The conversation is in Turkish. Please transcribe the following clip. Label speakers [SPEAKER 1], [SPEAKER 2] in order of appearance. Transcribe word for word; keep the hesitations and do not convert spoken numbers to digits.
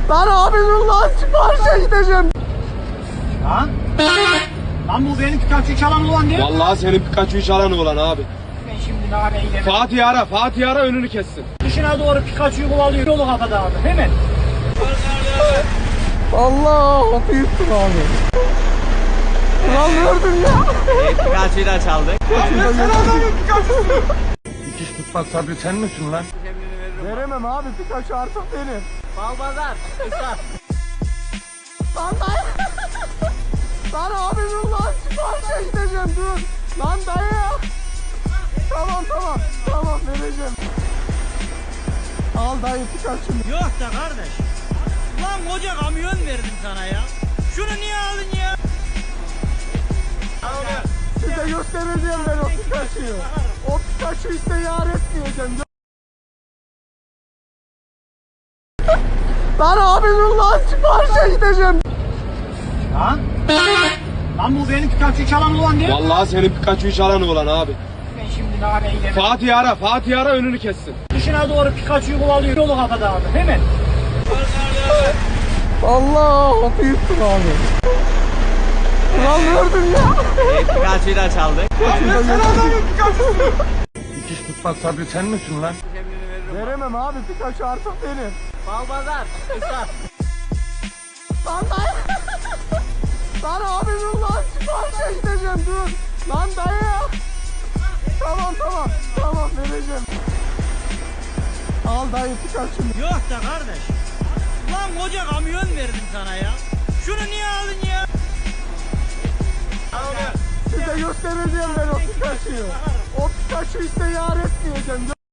[SPEAKER 1] Lan abi dur lan, siparişe gideceğim.
[SPEAKER 2] Lan? Lan bu benim Pikachu'yu çalan olan değil mi?
[SPEAKER 3] Vallahi senin Pikachu'yu çalan oğlan abi.
[SPEAKER 2] Ben şimdi nane eylemem.
[SPEAKER 3] Fatih ara, Fatih ara önünü kessin.
[SPEAKER 2] Dışına doğru Pikachu'yu kovalıyor. Yolu kapadı abi. Hemen.
[SPEAKER 1] Allah, kapıyı yuttum abi. Lan gördün ya.
[SPEAKER 4] Pikachu'yu da çaldık.
[SPEAKER 3] Dikiş tutmaz Sabri sen misin lan?
[SPEAKER 1] Veremem abi, Pikachu artık benim.
[SPEAKER 4] Balbazar. Kısa.
[SPEAKER 1] Lan dayı. Lan abi dur lan, siparişe gideceğim dur. Lan dayı. Tamam tamam, tamam vereceğim. Al dayı Pikachu'nu.
[SPEAKER 4] Yok da kardeş. Lan koca kamyon verdim sana ya. Şunu niye aldın ya?
[SPEAKER 1] Size göstereceğim ben o Pikachu'yu. O Pikachu'yu size yar etmeyeceğim. Lan abi dur lan, siparişe gideceğim.
[SPEAKER 2] Lan? Lan bu benim Pikachu'yu çalan olan değil mi?
[SPEAKER 3] Vallahi senin Pikachu'yu çalan oğlan abi.
[SPEAKER 2] Ben şimdi nane eylemem.
[SPEAKER 3] Fatih ara, Fatih ara önünü kessin.
[SPEAKER 2] Dışına doğru Pikachu'yu kovalıyor. Yolu kapadı abi. Hemen.
[SPEAKER 1] Allah, kapıyı yuttum abi. Lan gördün ya.
[SPEAKER 4] Pikachu'yu da çaldık.
[SPEAKER 3] Dikiş tutmaz Sabri sen misin lan?
[SPEAKER 1] Veremem abi, Pikachu artık benim.
[SPEAKER 4] Balbazar. Kısa.
[SPEAKER 1] Lan dayı. Lan abi dur lan, siparişe gideceğim dur. Lan dayı. Tamam tamam, tamam vereceğim. Al dayı Pikachu'nu.
[SPEAKER 4] Yok da kardeş. Lan koca kamyon verdim sana ya. Şunu niye aldın ya?
[SPEAKER 1] Size göstereceğim ben o Pikachu'yu. O Pikachu'yu size yar etmeyeceğim.